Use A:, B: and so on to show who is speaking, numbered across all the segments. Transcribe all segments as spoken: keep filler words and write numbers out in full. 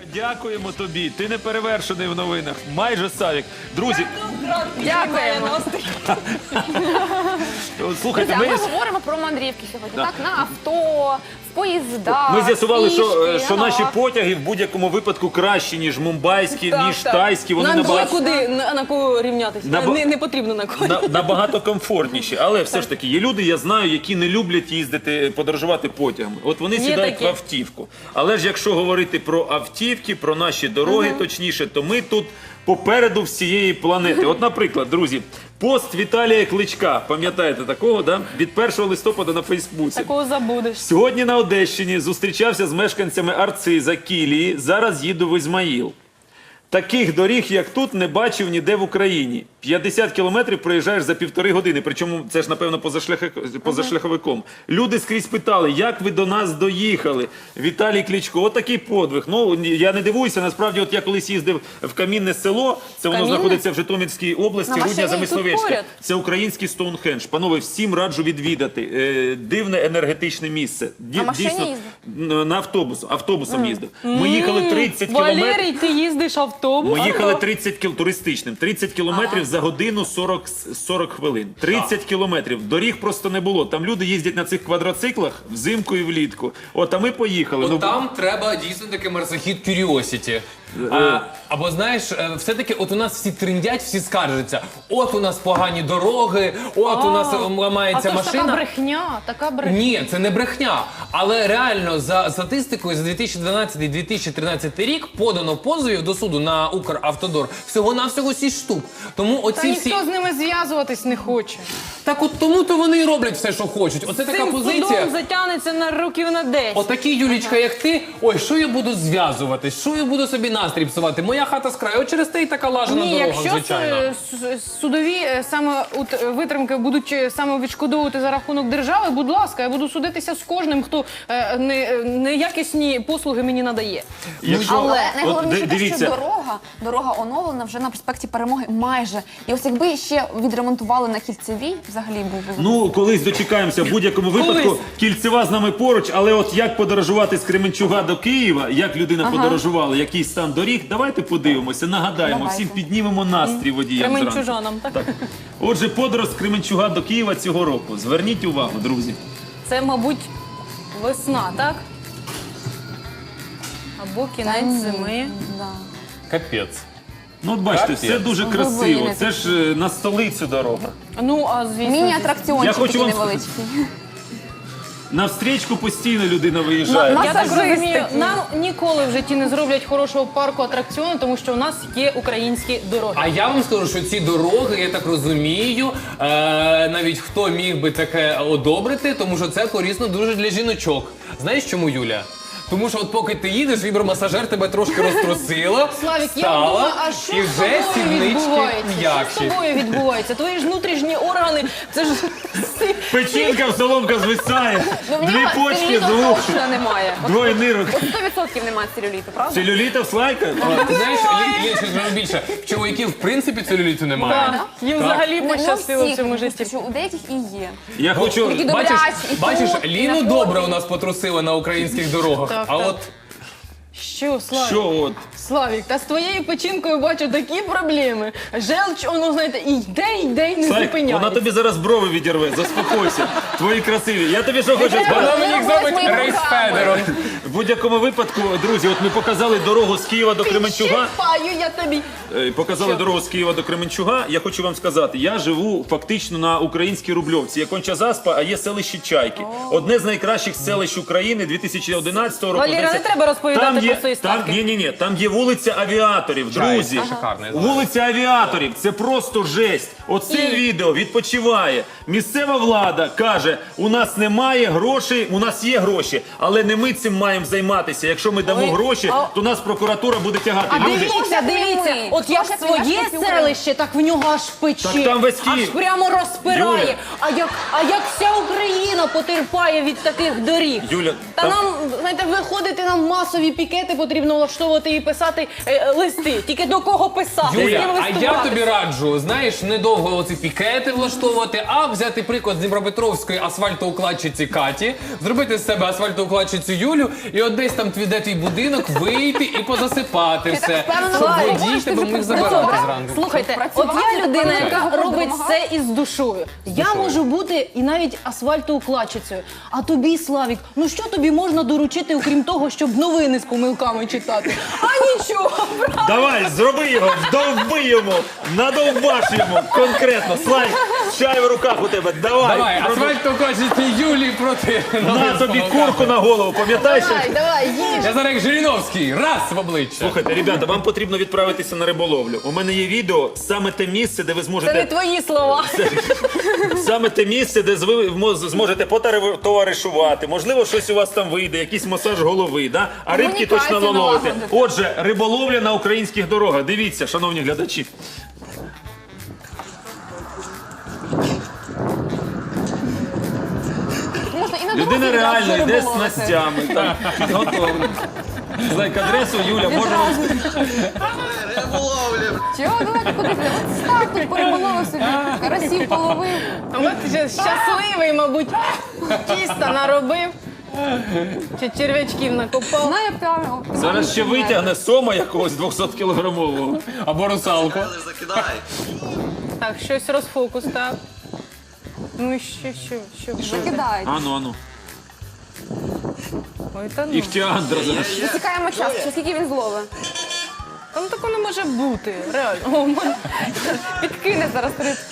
A: Дякуємо тобі. Ти не перевершений в новинах. Майже Савік. Друзі,
B: Дякуємо.
A: слухайте,
B: Друзі, а
A: ми,
B: ми говоримо про мандрівки сьогодні,
A: Да.
B: так? На авто, в поїздах,
A: ми з'ясували, що,
B: пішки,
A: що
B: ага.
A: наші потяги в будь-якому випадку кращі, ніж мумбайські,
C: Так,
A: ніж
C: так.
A: тайські. Вони
C: Нам
A: набагато,
C: куди на, на кого рівнятися.
A: Наба-
C: Не, не потрібно на кого.
A: на, набагато комфортніші. Але все ж таки є люди, я знаю, які не люблять їздити, подорожувати потягами. От вони сідають
C: такі.
A: в автівку. Але ж якщо говорити про автівки, про наші дороги, точніше, то ми тут попереду всієї планети. От, наприклад, друзі, пост Віталія Кличка, пам'ятаєте такого, да? Від першого листопада на Фейсбуці.
C: Такого забудеш.
A: Сьогодні на Одещині зустрічався з мешканцями Арциза, Кілії, зараз їду в Ізмаїл. Таких доріг, як тут, не бачив ніде в Україні. п'ятдесят кілометрів проїжджаєш за півтори години, причому це ж, напевно, позашляхи- позашляховиком. Люди скрізь питали, як ви до нас доїхали? Віталій Кличко, отакий подвиг. Ну, я не дивуюся, насправді, от я колись їздив в Камінне село, це воно
B: Камінне?
A: знаходиться в Житомирській області,
B: На
A: Рудня
B: машині?
A: Замисловецьке.
C: Тут поряд?
A: Це український Стоунхендж. Панове, всім раджу відвідати. Е, дивне енергетичне місце. Ді-
B: На машині
A: дійсно,
B: їздив?
A: на автобус, автобусом їздив. Ми їхали тридцять кілометрів.
C: Валерій, ти їздиш автобус?
A: Ми їхали тридцять кіл... туристичним, тридцять кілометрів за годину сорок, сорок хвилин. тридцять кілометрів. Доріг просто не було. Там люди їздять на цих квадроциклах взимку і влітку. От, а ми поїхали.
D: От
A: Ну,
D: там треба дійсно таки марсохід Curiosity. А, або знаєш, е, все-таки от у нас всі триндять, всі скаржаться. От у нас погані дороги, от у нас е,
C: А
D: ламається
C: то ж така
D: машина.
C: брехня, така брехня.
D: Ні, це не брехня. Але реально за статистикою за дві тисячі дванадцятий - дві тисячі тринадцятий рік подано позовів до суду на Укравтодор всього-навсього сість штук. Тому
C: Та
D: оці всі...
C: ніхто з ними зв'язуватись не хоче.
D: Так от тому то вони і роблять все, що хочуть. Оце така
C: Цим
D: позиція.
C: судом затягнеться на років на десять.
D: Отакі, Юлічка, як ти, ой, що я буду зв'язуватись, що я буду собі настрій псувати? Моя хата з краю, от через те і така лажана
C: Ні,
D: дорога,
C: якщо
D: звичайно.
C: с- с- судові е, саме от, е, витримки будуть е, саме відшкодовувати за рахунок держави, будь ласка, я буду судитися з кожним, хто е, не, е, неякісні послуги мені надає.
A: якщо...
B: Але
A: От,
B: найголовніше
A: ди-
B: те, що дорога, дорога оновлена вже на проспекті Перемоги майже. І ось якби ще відремонтували на Кільцевій, взагалі був би...
A: Ну, колись дочекаємося в будь-якому випадку.
C: Колись.
A: Кільцева з нами поруч, але от як подорожувати з Кременчуга до Києва, як людина подорожувала, який стан доріг, давайте подивимося, нагадаємо,
B: Давайте.
A: всім піднімемо настрій водіям зранку.
C: Кременчужанам, так?
A: Так. Отже, подорож з Кременчуга до Києва цього року. Зверніть увагу, друзі.
C: Це, мабуть, весна, так? Або кінець зими.
B: Да.
D: Капець.
A: Ну, от бачите,
D: Капець.
A: все дуже
B: Ну,
A: красиво.
B: глибини
A: Це ж е, на столицю дорога.
C: Ну, а звісно.
A: Я
B: Міні-атракціончик
A: хочу
B: такий
A: вам
B: невеличкий.
A: На встрічку постійно людина виїжджає.
B: На-
C: Я так
B: Масажист
C: розумію,
B: такий.
C: нам ніколи в житті не зроблять хорошого парку атракціону, тому що у нас є українські дороги.
D: А я вам скажу, що ці дороги, я так розумію, е, навіть хто міг би таке одобрити, тому що це корисно дуже для жіночок. Знаєш чому, Юля? Тому що от поки ти їдеш, вібромасажер тебе трошки розтрусила,
C: Славік, я
D: встала,
C: думаю, а що
D: і
C: з
D: вже
C: тобою
D: сіднички
C: відбувається? Що з
D: м'якші.
C: тобою відбувається? Твої ж внутрішні органи, це ж...
A: Печінка, соломка звисає,
B: Ну, в
A: дві
B: нього
A: почки,
B: целюліту
A: звук,
B: точно немає.
A: двоє нирок.
B: сто відсотків немає целюліту, правда?
A: Целюліта в слайка?
D: Ти знаєш, Лі- Лі, ще скажу більше, в чоловіків в принципі целюліту немає.
C: Так, їм взагалі
B: Ну,
C: пощастило
B: всіх,
C: в цьому житті.
B: що у деяких і є.
A: Я хочу...
B: Такі
D: Бачиш,
B: добрячі, і
D: бачиш,
B: тут, і
D: Ліну
B: на
D: добре
B: фоні.
D: у нас потрусила на українських дорогах,
C: Так,
D: а
C: так.
D: от
C: Що, Славік?
A: Що от?
C: Славік, та з твоєю печінкою бачу такі проблеми. Желч, воно, знаєте, і йде, і йде, і не
A: Слайк,
C: зупиняється.
A: вона тобі зараз брови відірве, заспокойся. Твої красиві. Я тобі що хочу
B: треба.
A: сказати?
D: вона мені
B: робила
D: зробить
B: своїми
D: рейс
B: руками.
D: Федером.
A: В будь-якому випадку, друзі, от ми показали дорогу з Києва до Кременчуга.
C: Щипаю я тобі.
A: Е, Показали дорогу з Києва до Кременчуга. Я хочу вам сказати, я живу фактично на українській Рубльовці. Є Конча-Заспа, а є селище Чайки. Одне з найкращих селищ України дві тисячі одинадцятого року.
C: Валера,
A: Здається,
C: не треба розповідати
A: там є,
C: про свої
A: там,
C: ставки.
A: ні, ні, ні, там є вулиця авіаторів, друзі.
D: Чайка, шикарно, я знаю.
A: Вулиця авіаторів, це просто жесть. Оце
C: І-
A: відео відпочиває. Місцева влада каже, у нас немає грошей, у нас є гроші, але не ми цим маємо займатися. Якщо ми дамо
C: Ой,
A: гроші,
C: а-
A: то нас прокуратура буде тягати.
C: А
A: Люди,
C: дивіться, дивіться,
B: Ми.
C: от як
B: Хто ж
C: своє
B: як нас
C: селище, так в нього аж пече.
A: Так там весь
C: аж
A: Київ.
C: прямо розпирає.
A: Юля.
C: А як, а як вся Україна потерпає від таких доріг.
A: Юля,
C: Та
A: там-
C: нам, знаєте, виходити нам масові пікети потрібно влаштовувати і писати е, листи. Тільки до кого писати? з ким
D: Юля, а я
C: листуватися?
D: тобі раджу, знаєш, недовго оці пікети влаштовувати, а взяти приклад з Дніпропетровської асфальтоукладчиці Каті, зробити з себе асфальтоукладчицю Юлю І от десь там твій де твій будинок, вийти і позасипати
B: так
D: все.
B: впевнено
D: Щоб
B: говориш,
D: водій
B: ти
D: тебе
B: вже
D: міг
B: працював?
D: забирати зранку.
C: Слухайте, от
B: Працювати,
C: я людина,
B: так
C: яка
B: допомагати.
C: робить все із душою. Я можу бути і навіть асфальтоукладчицею. А тобі, Славік, ну що тобі можна доручити, окрім того, щоб новини з помилками читати? А нічого, правда?
A: Давай, зроби його, вдовби йому, надовбаш йому конкретно. Слайд, чай в руках у тебе, давай.
D: Давай,
A: роби.
D: асфальт покажете Юлі проти
A: На тобі курку на голову, пам'ятаєш?
C: Давай, давай, їж.
D: Я зараз як Жириновський, раз в обличчя.
A: Слухайте, ребята, вам потрібно відправитися на риболовлю. У мене є відео, саме те місце, де ви
C: Це не
A: зможете
C: твої слова.
A: саме те місце, де ви мо- зможете потоваришувати. Можливо, щось у вас там вийде, якийсь масаж голови, да? А рибки точно
B: Комунікацію
A: наловите.
B: налагодити.
A: Отже, риболовля на українських дорогах. Дивіться, шановні глядачі.
B: Можна і на
A: Людина
B: дорозі
A: реально
B: відразу
A: йде з
B: риболовити.
A: снастями, так, підготовлена. Знайк адресу, Юля, може вам...
B: Чого давайте кудись? От став тут пориболовив собі, карасів половив.
C: А от ще щасливий, мабуть, тіста наробив. Чи черв'ячків накопав.
B: Знає прямо.
A: Зараз ще витягне сома якогось двохсоткілограмового.
D: Або русалку.
C: Так, щось розфокус, так. Ну і що, що, що?
B: Закидають.
A: Ану, ану.
C: Ой, та ну.
A: Іхтіандра зараз.
B: Засікаємо час, чи скільки він зловить.
C: Та ну такого не може бути, реально. О, мене-
B: Підкине зараз рибку.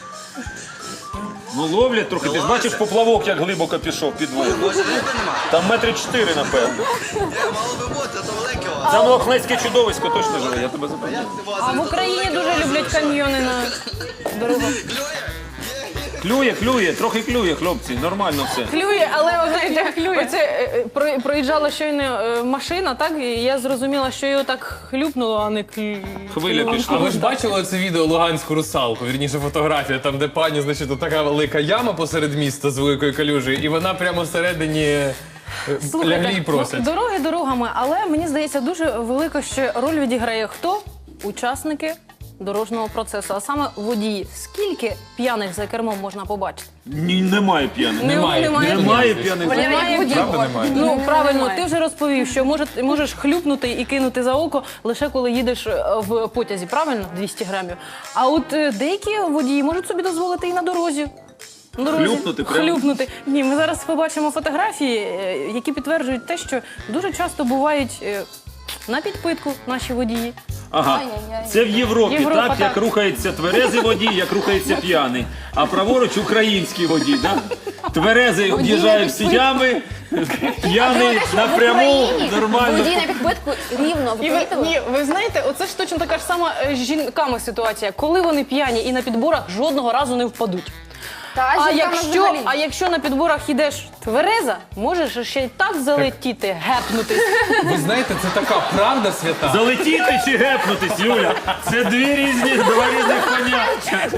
A: Ну ловлять трохи, ти ж бачиш поплавок, як глибоко пішов під воду.
E: Може риби нема?
A: Там метри чотири, напевно.
E: Є, мало би бути, а то велике у вас.
A: Це лохнецьке чудовисько точно живе, я тебе запевняю.
C: А в Україні дуже люблять каньйони на дорогах.
A: Клює, клює, трохи клює, хлопці, нормально все.
C: Клює, але ви знаєте, оце е, е, про- проїжджала щойно е, машина, так? І я зрозуміла, що його так хлюпнуло, а не клю...
A: Хвиля
C: клювало.
A: пішла.
D: А ви ж бачили це відео Луганську русалку, вірніше фотографія, там де пані, значить, така велика яма посеред міста з великою калюжею, і вона прямо всередині е,
C: Слухайте,
D: лягли і просять.
C: ну, дороги дорогами, але мені здається, дуже велика ще роль відіграє хто? Учасники дорожнього процесу, а саме водії. Скільки п'яних за кермом можна побачити?
A: Ні, немає п'яних.
D: Немає.
C: Немає.
A: Немає п'яних.
C: Немає водій.
D: Правда немає?
C: Ну, правильно,
B: немає.
C: ти вже розповів, що може, можеш хлюпнути і кинути за око лише коли їдеш е, в потязі, правильно? двісті грамів. А от е, деякі водії можуть собі дозволити і на дорозі. На дорозі.
A: Хлюпнути прямо?
C: Хлюпнути. Ні, ми зараз побачимо фотографії, е, які підтверджують те, що дуже часто бувають е, на підпитку наші водії.
A: Ага,
B: Ай-яй-яй.
A: це в Європі,
C: Європа,
A: так,
C: так.
A: як рухається тверезий водій, як рухається п'яний. А праворуч український водій, так? Тверезий об'їжджає всі ями, п'яний напряму, нормально.
B: Водій на підбитку рівно, ви
C: І ви,
B: помітили?
C: ні, ви знаєте, оце ж точно така ж сама е, з жінками ситуація. Коли вони п'яні і на підборах жодного разу не впадуть.
B: Та
C: А
B: жінкам
C: якщо,
B: взагалі.
C: а якщо на підборах йдеш твереза, можеш ще й так залетіти, гепнутись.
D: Ви знаєте, це така правда свята.
A: Залетіти чи гепнутись, Юля? Це дві різні, два різних поняття.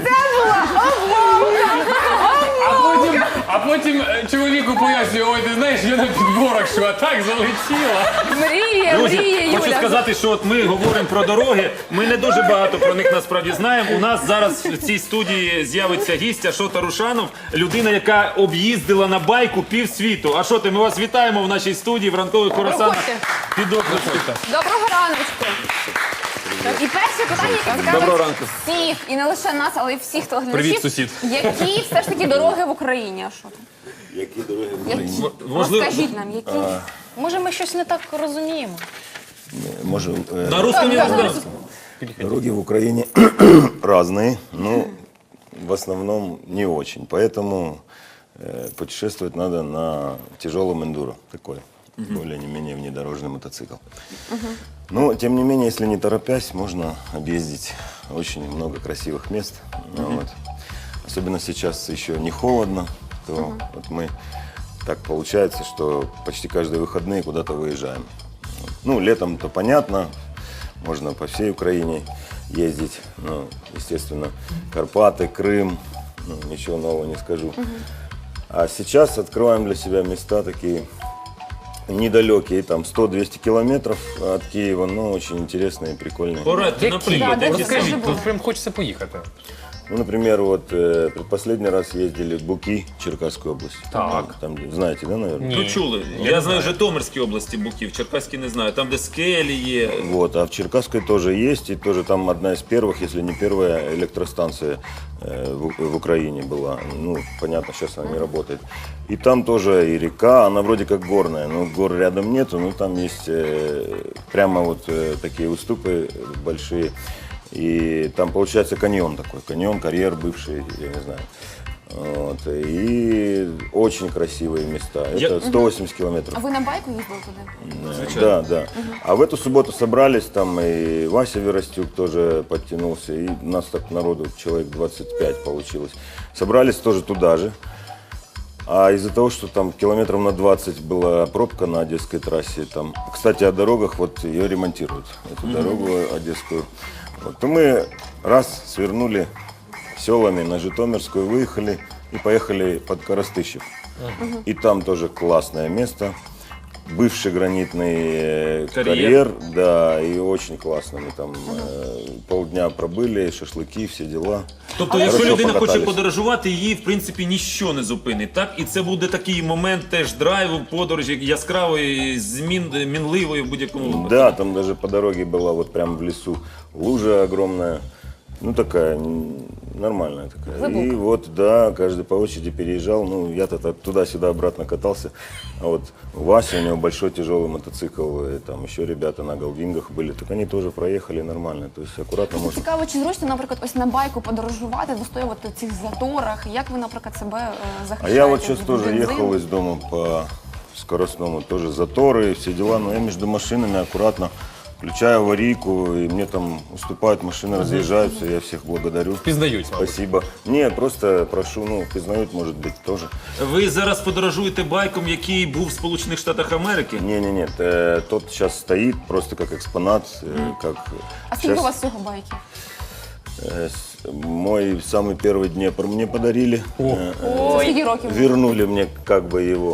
D: А потім, а потім е, чоловіку пояснює, ой, ти знаєш, я на підборах, що а так залетіла.
B: Мріє,
A: Друзі,
B: мріє,
A: хочу
B: Юля.
A: сказати, що от ми говоримо про дороги. Ми не дуже багато про них насправді знаємо. У нас зараз в цій студії з'явиться гість Ашота Рушанов, людина, яка об'їздила на байку півсвіту. Ашоте, ми вас вітаємо в нашій студії в ранкових хоросанах.
C: Проходьте.
A: Під окликом.
B: Доброго раночку. І перше питання, яке
A: Доброго
B: цікавить
A: ранку.
B: всіх, і не лише нас, але й всіх телеглядачів.
D: Привіт, сусід.
B: Які все ж таки дороги в Україні, Ашота?
E: Які дороги?
B: Які?
A: Можливо-
B: Розкажіть нам, які?
C: Може, ми щось не так розуміємо.
F: Может, э,
A: На русском не знаю.
F: дороги в Украине разные, но в основном не очень. Поэтому э, путешествовать надо на тяжелом эндуро, такой, более-менее внедорожный мотоцикл. Но, тем не менее, если не торопясь, можно объездить очень много красивых мест. Ну, вот. Особенно сейчас еще не холодно, то вот мы так получается, что почти каждые выходные куда-то выезжаем. Ну, летом-то понятно, можно по всей Украине ездить. Ну, естественно, Карпаты, Крым, ну, ничего нового не скажу. А сейчас открываем для себя места такие недалекие, там сто-двести километров от Киева, но очень интересные и прикольные.
A: Порадьте, наприклад,
B: Да,
A: які
B: де
A: самі.
B: це?
D: Розкажіть, тут прям хочеться поїхати.
F: Ну, например, вот э, предпоследний раз ездили в Буки, Черкасскую область.
D: Так.
F: Там, знаете, да, наверное?
A: Ну чули. Я, знаю Житомирській області Буків, Черкаській не знаю. Там, де скелі є.
F: Вот, а в Черкасской тоже есть, и тоже там одна из первых, если не первая электростанция э, в, в Украине была. Ну, понятно, сейчас она не работает. И там тоже и река, она вроде как горная, но гор рядом нету, но там есть э, прямо вот э, такие уступы большие. И там получается каньон такой, каньон, карьер бывший, я не знаю. Вот, и очень красивые места.
A: Я-
F: Это сто восемьдесят километров.
B: А ви на байку їздили туди?
F: Э, Да, да. А в эту субботу собрались, там и Вася Веростюк тоже подтянулся, и нас так народу человек двадцать пять получилось. Собрались тоже туда же. А из-за того, что там километров на двадцать была пробка на Одесской трассе, там, кстати, о дорогах, вот ее ремонтируют, эту дорогу одесскую. Вот, то мы раз свернули селами на Житомирскую, выехали и поехали под Коростыщев. И там тоже классное место. Бывший гранитный э,
A: Карьер.
F: карьер, да, и очень классно. Мы там э, полдня пробыли, шашлыки, все дела.
A: Тобто,
F: Але
A: якщо
F: хорошо
A: людина хоче
F: покатались.
A: подорожувати, її в принципі ніщо не зупинить. Так, і це буде такий момент теж драйву, подорожі яскравої, змін мінливої в будь-якому випадку.
F: Да, там даже по дороге была вот прям в лесу лужа огромная. Ну, такая, м, нормальная такая. И вот, да, каждый по очереди переезжал. Ну, я-то так туда-сюда обратно катался. А вот Вася, у него большой тяжелый мотоцикл, и там еще ребята на голвингах были. Так они тоже проехали нормально. То есть аккуратно можно.
B: Цікаво, чи зручно, наприклад, ось на байку подорожувати, вистоювати в цих заторах? Як ви, наприклад, себе е,
F: А
B: захищаєте?
F: я вот сейчас
B: від
F: тоже
B: бензину?
F: ехал из дома по скоростному, тоже заторы, все дела, но я между машинами аккуратно включаю аварийку, и мне там уступают машины, разъезжаются, я всех благодарю.
D: Пізнають, мабуть.
F: Спасибо. Не, просто прошу, ну, признают, может быть, тоже.
A: Ви зараз подорожуєте байком, який був в Сполучених Штатах Америки?
F: Не-не-не, э, тот сейчас стоит просто как экспонат, э, как...
B: А скільки
F: щас,
B: у вас всього байків?
F: э, с- мой самый первый Днепр мне подарили. Э, э,
B: Це скільки років?
F: вернули мне как бы его.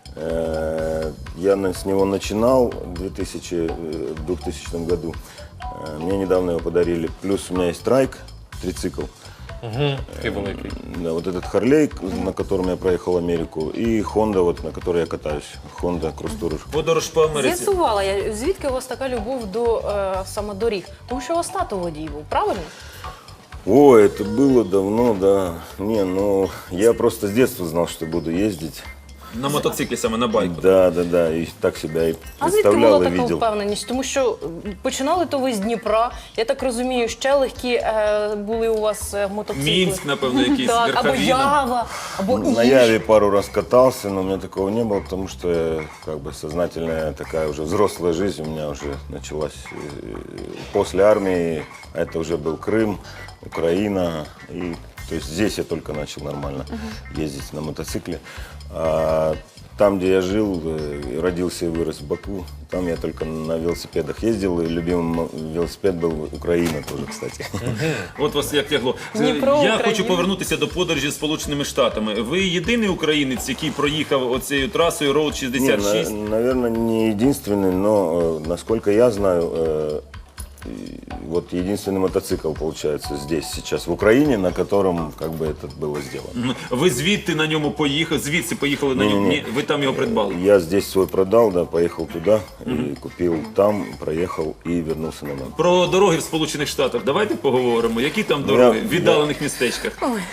F: Э, Я на- с него начинал в две тысячи, э, в двухтысячном году. Э, Мне недавно его подарили. Плюс у меня есть трайк, трицикл.
D: Такий великий.
F: Да, вот этот Харлей, на котором я проехал Америку, и Honda, вот, на которой я катаюсь. Honda Cross Tourer.
A: Подорож по Америці.
C: З'ясувала я, звідки у вас така любов до е, саме доріг? Тому що у вас тато водій був, правильно?
F: Ой, это было давно, да. Не, ну, я просто с детства знал, что буду ездить.
A: На мотоциклі саме, на байку.
F: Да, да, да, и так себя и
C: А звідки була
F: представлял и
C: така
F: видел.
C: впевненість? Тому що м, починали то ви з Дніпра, я так розумію, ще легкі е, були у вас е, мотоцикли.
A: Мінськ, напевно, якийсь,
C: Так, або
A: Верховіна.
C: Ява, або
F: На
C: Іж.
F: Яве пару раз катался, но у меня такого не было, потому что э, как бы сознательная такая уже взрослая жизнь у меня уже началась э, после армии. А это уже был Крым, Украина. И, то есть здесь я только начал нормально ездить на мотоцикле. А там, где я жил, э, родился и вырос в Баку, там я только на велосипедах ездил. И любимый м- велосипед был Украина тоже, кстати.
A: От вас як тягло.
C: Дніпро,
A: Я
C: Україна.
A: хочу повернутися до подорожі з Сполученими Штатами. Ви єдиний українець, який проїхав оцією трасою Роуд
F: Не,
A: шістдесят шість?
F: на- наверное, не единственный, но э, насколько я знаю, э, и вот единственный мотоцикл получается здесь сейчас в Украине, на котором как бы это было сделано.
A: М, Ви звідти на ньому поїхали, звідси поїхали на ньому?
F: Не-не-не.
A: Ні, ви там його придбали.
F: Я здесь свой продал, да, поехал туда и купил там, проехал и вернулся на нем.
A: Про дороги в Сполучених Штатах давайте поговоримо. Які там дороги
F: Я-
A: в віддалених містечках?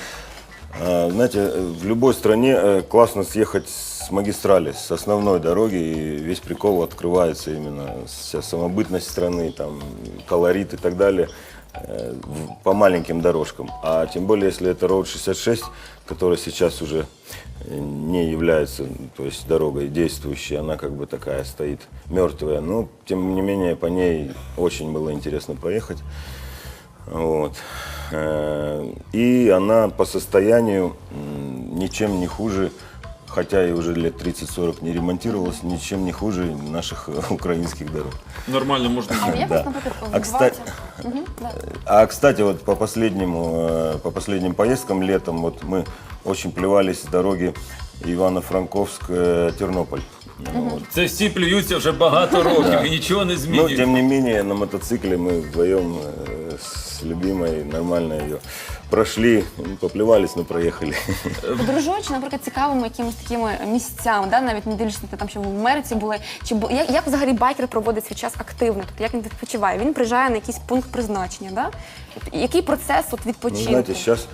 F: А, знаете, э, в любой стране э, классно съехать с магистрали, с основной дороги, и весь прикол открывается именно вся самобытность страны, там, колорит и так далее э, в- по маленьким дорожкам. А тем более, если это Роуд шестьдесят шесть, которая сейчас уже э, не является, то есть дорогой действующей, она как бы такая стоит мертвая. Но, тем не менее, по ней очень было интересно проехать. Вот. Э, И она по состоянию м, ничем не хуже, хотя и уже лет тридцать-сорок не ремонтировалась, ничем не хуже наших э, украинских дорог.
A: Нормально можна
B: А
A: їхати.
B: як
F: Да.
B: вас, наприклад,
F: А, кстати,
B: відбувається? Мгм, да.
F: а, кстати, вот по последнему, э, по последним поездкам летом, вот мы очень плевались с дороги Ивано-Франковск-Тернополь. Вот.
A: Це всі плюються вже багато років і нічого не
F: Но,
A: змінюється.
F: тем не менее, на мотоцикле мы вдвоем э, с любимой нормально ее прошли, ну, поплевались, но проехали.
B: Подорожуючи, наприклад, цікавими якимись такими місцями, да, навіть не дивлячись на те, там, що ви в Америці були, чи бу- як, як взагалі байкер проводить свій час активно? Тобто як він відпочиває? Він приїжджає на якийсь пункт призначення, да? Тобто, який процес от
F: Ну,
B: відпочинку?
F: знаете, сейчас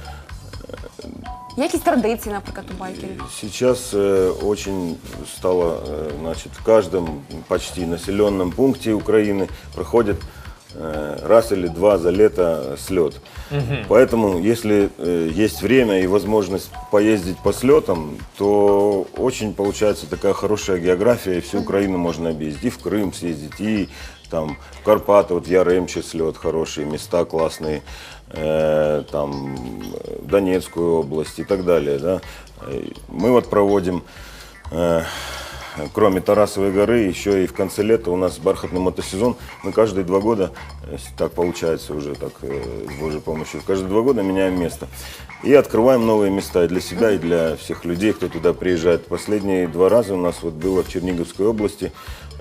B: Є якісь традиції, наприклад, у байкерів?
F: Сейчас э, очень стало, э, значит, в каждом почти населенном пункте Украины проходит э, раз или два за лето слет. Поэтому, если э, есть время и возможность поездить по слетам, то очень получается такая хорошая география, и всю Украину можно объездить. И в Крым съездить, и там в Карпаты, вот в Яремче слет, хорошие места классные, э, там в Донецкую область и так далее. Да. И мы вот проводим, э, кроме Тарасовой горы, еще и в конце лета у нас бархатный мотосезон. Мы каждые два года, если так получается уже так, э, с Божьей помощью, каждые два года меняем место. И открываем новые места и для себя, и для всех людей, кто туда приезжает. Последние два раза у нас вот было в Черниговской области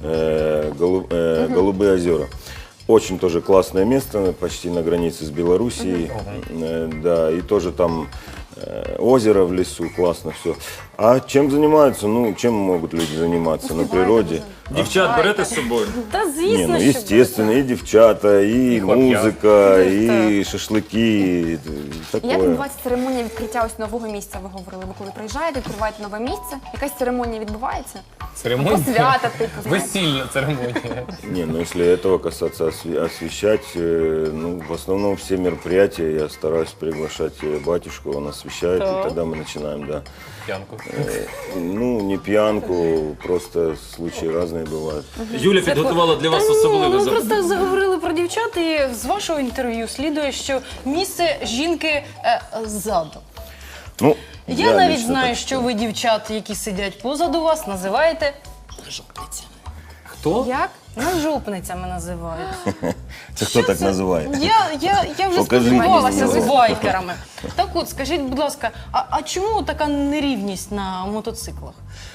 F: э, Голу- э, Голубые озера. Очень тоже классное место, почти на границе с Белоруссией. Э, да, и тоже там э, озеро в лесу, классно все. А чем занимаются? Ну, чем могут люди заниматься на природе?
A: Дівчат берете з собою?
C: Та
F: Не,
C: звісно,
F: ну,
C: що
F: естественно, и девчата, и,
D: хлопья.
F: музыка, и шашлыки, и такое.
B: Як відбувається церемонія відкриття ось нового місця? Ви говорили, ви коли приїжджаєте, відкриваєте нове місце, якась церемонія відбувається?
D: Церемонія?
B: Посвята, типу, знаєте.
D: Весільна церемонія.
F: Не, ну если этого касаться, осве- освещать, э, ну, в основном все мероприятия я стараюсь приглашать э, батюшку, он освещает, и тогда мы начинаем, да.
D: П'янку.
F: Э, Ну, не пьянку, просто случаи разные бывают.
A: Юля підготувала для вас
C: Та ні,
A: особливе
C: ну,
A: запитання.
C: просто заговорили про дівчат, і з вашого інтерв'ю слідує, що місце жінки е, ззаду.
F: Ну,
C: Я, навіть
F: лично
C: знаю,
F: так
C: що ви дівчат, які сидять позаду вас, називаєте нажопницями.
D: Хто?
B: Як?
C: Нажопницями називають.
F: Це хто так називає?
C: Я, я, я вже
F: Покажіть
C: спілкувалася
F: мені.
C: з байкерами. Так от, скажіть, будь ласка, а, а чому така нерівність на мотоциклах?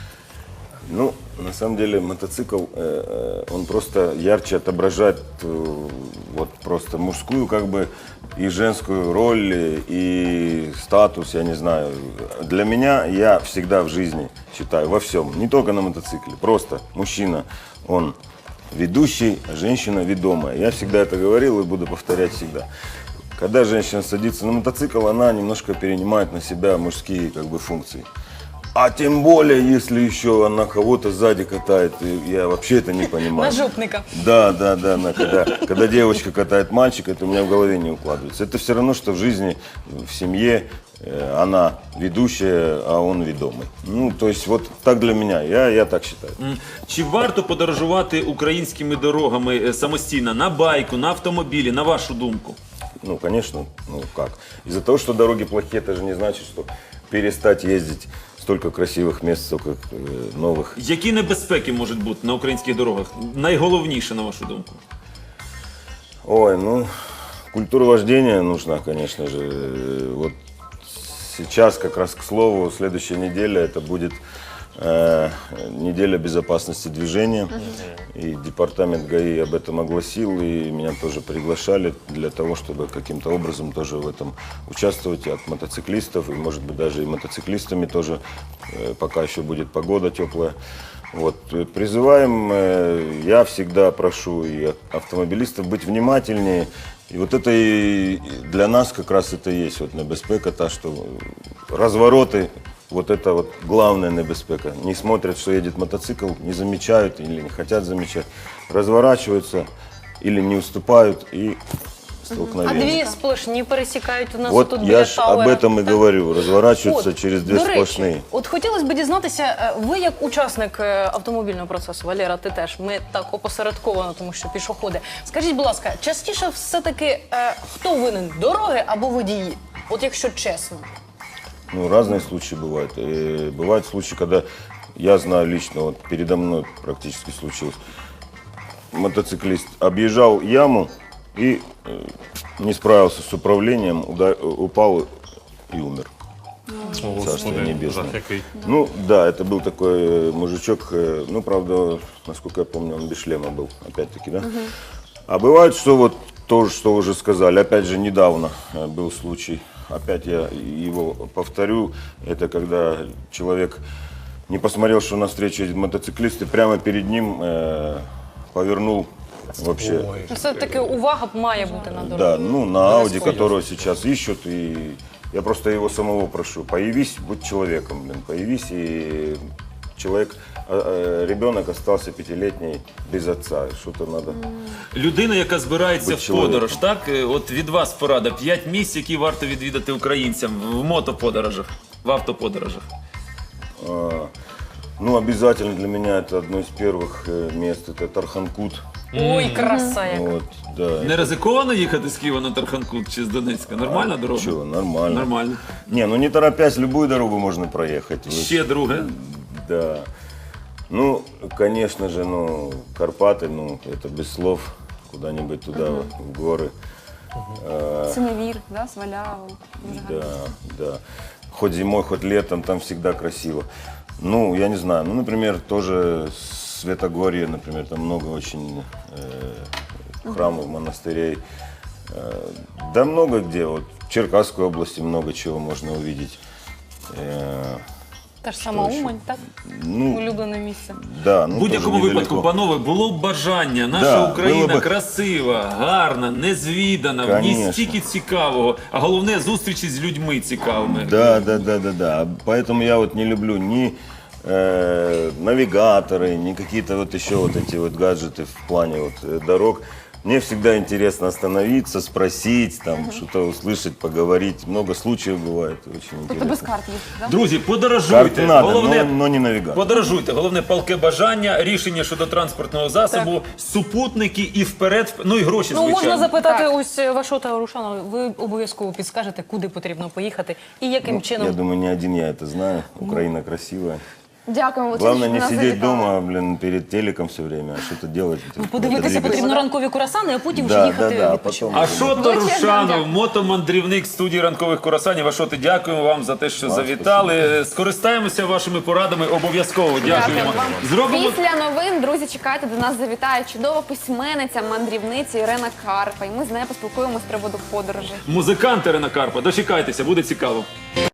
F: Ну, на самом деле мотоцикл, э, э, он просто ярче отображает э, вот просто мужскую как бы и женскую роль, э, и статус, я не знаю. Для меня, я всегда в жизни считаю, во всем, не только на мотоцикле, просто мужчина, он ведущий, а женщина ведомая. Я всегда это говорил и буду повторять всегда. Когда женщина садится на мотоцикл, она немножко перенимает на себя мужские как бы функции. А тем более, если еще она кого-то сзади катает, и я вообще это не понимаю.
C: Нажопника.
F: Да, да, да, на- когда, когда девочка катает мальчика, это у меня в голове не укладывается. Это все равно, что в жизни, в семье э, она ведущая, а он ведомый. Ну, то есть вот так для меня, я, я так считаю.
A: М, Чи варто подорожувати українськими дорогами е, самостійно на байку, на автомобілі, на вашу думку?
F: Ну, конечно, ну как. Из-за того, что дороги плохие, это же не значит, что перестать ездить столько красивых мест, столько э, новых.
A: Які небезпеки можуть бути на українських дорогах? Найголовніше, на вашу думку?
F: Ой, ну, культура вождения нужна, конечно же. Э, Вот сейчас, как раз к слову, следующая неделя, это будет э, неделя безопасности движения. И департамент ГАИ об этом огласил, и меня тоже приглашали для того, чтобы каким-то образом тоже в этом участвовать от мотоциклистов, и, может быть, даже и мотоциклистами тоже, э, пока еще будет погода теплая. Вот. э, Призываем, э, я всегда прошу и автомобилистов быть внимательнее. И вот это и для нас как раз это и есть вот небезпека, та, что развороты, вот это вот главная небезпека. Не смотрят, что едет мотоцикл, не замечают или не хотят замечать. Разворачиваются или не уступают и
C: А
F: столкновение.
C: дві сплошні пересікають у нас
F: Вот
C: тут
F: я
C: біля
F: ж об
C: Тауера.
F: этом и
C: Так?
F: говорю. Разворачиваются
C: От,
F: через две
C: до речі,
F: сплошные.
C: От хотілося б дізнатися, е, ви як учасник е, автомобільного процесу, Валера, ти теж, ми так опосередковано, тому що пішоходи. Скажіть, будь ласка, частіше все-таки е, хто винен, дороги або водії? От якщо чесно.
F: Ну, разные случаи бывают. И бывают случаи, когда я знаю лично, вот передо мной практически случилось. Мотоциклист объезжал яму и э, не справился с управлением, уда- упал и умер. Царство небесное. Ну, да, это был такой э, мужичок, э, ну, правда, насколько я помню, он без шлема был, опять-таки, да? А бывает, что вот то, что уже сказали, опять же, недавно э, был случай, опять я его повторю, это когда человек не посмотрел, что навстречу едет мотоциклист, и прямо перед ним э, повернул вообще.
C: Все-таки увага має бути на дорозі.
F: Да, ну на Ауди, которого сейчас ищут, и я просто его самого прошу, появись, будь человеком, блин, появись, и человек, э, э, ребенок остался пятилетний без отца, что-то надо.
A: Людина, яка збирається
F: Будь
A: в
F: чоловіком.
A: подорож, так? Е, От від вас порада. П'ять місць, які варто відвідати українцям в мотоподорожах, в автоподорожах.
F: А, ну, обязательно для меня это одно из первых э, мест, это Тарханкут.
C: Ой, краса яка.
F: Вот, да.
A: Не ризиковано їхати з Києва на Тарханкут чи з Донецька? Нормальна дорога?
F: Чего, нормально.
A: Нормально.
F: Не, ну не торопясь, любую дорогу можно проехать. Вы-
A: Ще друге.
F: Да. Ну, конечно же, ну, Карпаты, ну, это без слов, куда-нибудь туда, в горы.
B: Синевір, да, Сваляву. Дуже гарно.
F: Да, да. Хоть зимой, хоть летом, там всегда красиво. Ну, я не знаю, ну, например, тоже Светогорье, например, там много очень э, храмов, монастырей. Э, да много где, вот в Черкасской области много чего можно увидеть. Э,
C: Та ж сама
F: ще?
C: Умань, так?
F: ну,
C: Улюблене місце.
F: да, ну,
A: В будь-якому
F: тоже
A: випадку,
F: недалеко.
A: панове, було б бажання. Наша
F: Да,
A: Україна
F: було би.
A: красива, гарна, незвідана, в ній
F: Конечно.
A: стільки цікавого, а головне зустрічі з людьми цікавими.
F: Да, да, да, да, да. Поэтому я вот не люблю ни э, навигаторы, ни какие-то вот еще вот эти вот гаджеты в плане вот э, дорог. Мне всегда интересно остановиться, спросить, там что-то услышать, поговорить. Много случаев бывает, очень
B: Тобто без
F: интересно.
B: карт їздити, да?
A: Друзі, подорожуйте.
F: Карты надо,
A: Головне,
F: но, но не навигатор.
A: подорожуйте. Головне палке бажання, рішення щодо транспортного засобу, супутники і вперед, ну і гроші,
C: Ну,
A: звичайно.
C: можна запитати
B: Так.
C: ось Вашота Рушана, ви обов'язково підскажете, куди потрібно поїхати і яким
F: Ну,
C: чином.
F: я думаю, не один я это знаю. Украина красивая.
B: Дякуємо, Олексій,
F: Главное
B: що
F: не
B: нас
F: сидеть
B: завітали.
F: дома, блин, перед телеком все время, а что-то делать.
C: Ну, подивитися
F: Двигаться.
C: потрібно ранкові курасани, а потім вже
F: Да, да,
C: їхати
F: да,
C: відпочивати.
F: потом.
A: А що то
B: Величезне вам
A: Рушанов,
B: дякую.
A: мотомандрівник студії ранкових курасанів. Ашоти, дякуємо вам за те, що завітали. Скористаємося вашими порадами обов'язково. Дякуємо.
B: Дякуємо вам.
A: Зробимо
B: Після новин, друзі, чекайте, до нас завітає чудова письменниця, мандрівниця Ірена Карпа. І ми з нею поспілкуємося з приводу подорожей.
A: музикант Ірина Карпа. Дочекайтеся, буде цікаво.